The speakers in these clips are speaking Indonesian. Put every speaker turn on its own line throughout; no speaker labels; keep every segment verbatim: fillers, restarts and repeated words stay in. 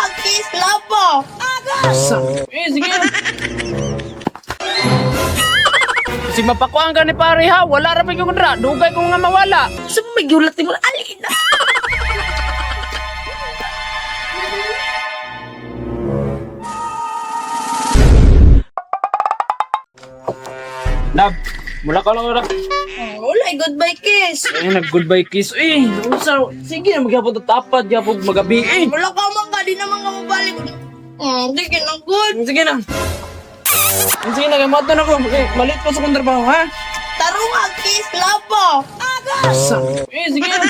Kiss Lapo! Agos!
Eh, sige. Kasi mapakuan ka ni pare ha. Wala ra pa yung kundra. Dugay ko nga mawala.
Sa may gulat mo alina.
Nab, mula ka lang ora.
Wala, goodbye kiss.
Eh, nag-goodbye kiss. Eh, unsa? Sige na, magyapon ta tapat. Gyapon magabi. Eh,
Wala ka man ka, di naman ka mabalik. Hmm, di ka good.
sige na. Sige na, gamatan ako. Eh, malit pa sa kong trabaho, ha?
Tarunga Kiss Lapo! Agos!
Eh, sige na.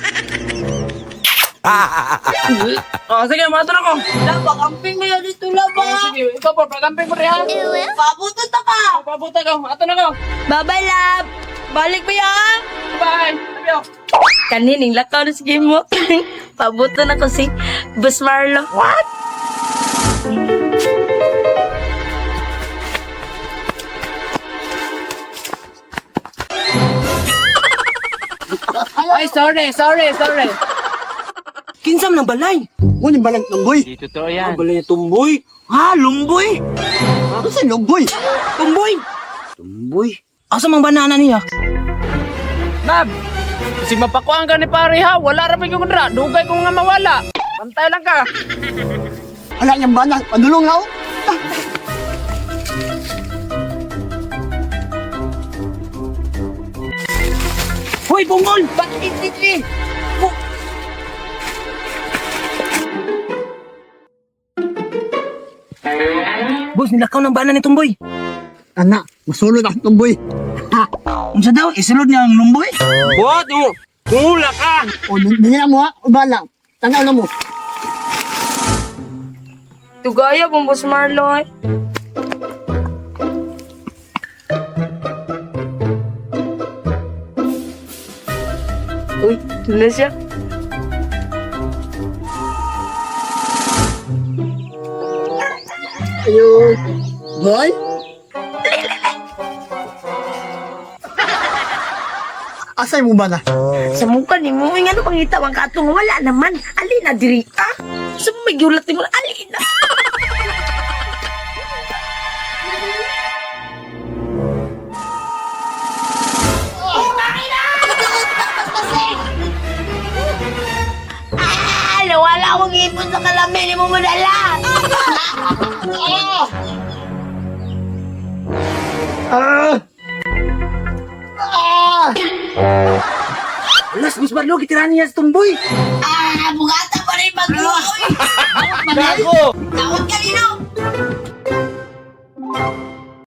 Oh, sige, matan ako.
Laba, kamping mo yan dito,
Oh,
Laba.
sige, ikaw pa, pagamping mo rin, ha?
Pabutot na ka.
Pabuta ka, matan ako.
Bye-bye, love. Balik ba yan?
Bye. Love you.
Kanining lakaw na sige mo. Pabuto na ko si Bus Marlo. What?
Ay, sorry, sorry, sorry.
Kinsam ng balay. Ano yung balang lumboy?
Di totoo yan.
Balay na tumboy. Ha, lumboy? Ano sa lumboy? Tumboy? Tumboy? Asa mang banana niya?
Nab, kasi mapakuan ka ni pare ha. Wala ra pa yung kundra. Dugay ko nga mawala. Pantay lang ka.
Anak niyang banang, padulong na ako. Hoy, bungol! Ba't ititli? Boss, nilakaw ng bana ni Tumboy. Anak, masulod ang Tumboy. Ha? Unsa daw, isulod niya ang lumboy?
What? Tula ka.
O, dinila mo ha, bala. Tanaw na mo.
Tugaya pong Bus Marlo ay. Uy, ito na siya.
Ayun. Boy? Asay mo ba na?
Sa mukha ni mo, nga ano pangita ang katong wala naman. Alina diri ka. Sa may gulat mo alina. Ah, nawala akong ipon sa kalamin mo madala.
Ah! Ah! Alas, Miss Barlo, kitirahan niya sa Tumboy.
Ah, bugata pa rin mag-uwi.
Gago.
Tawag ka nino.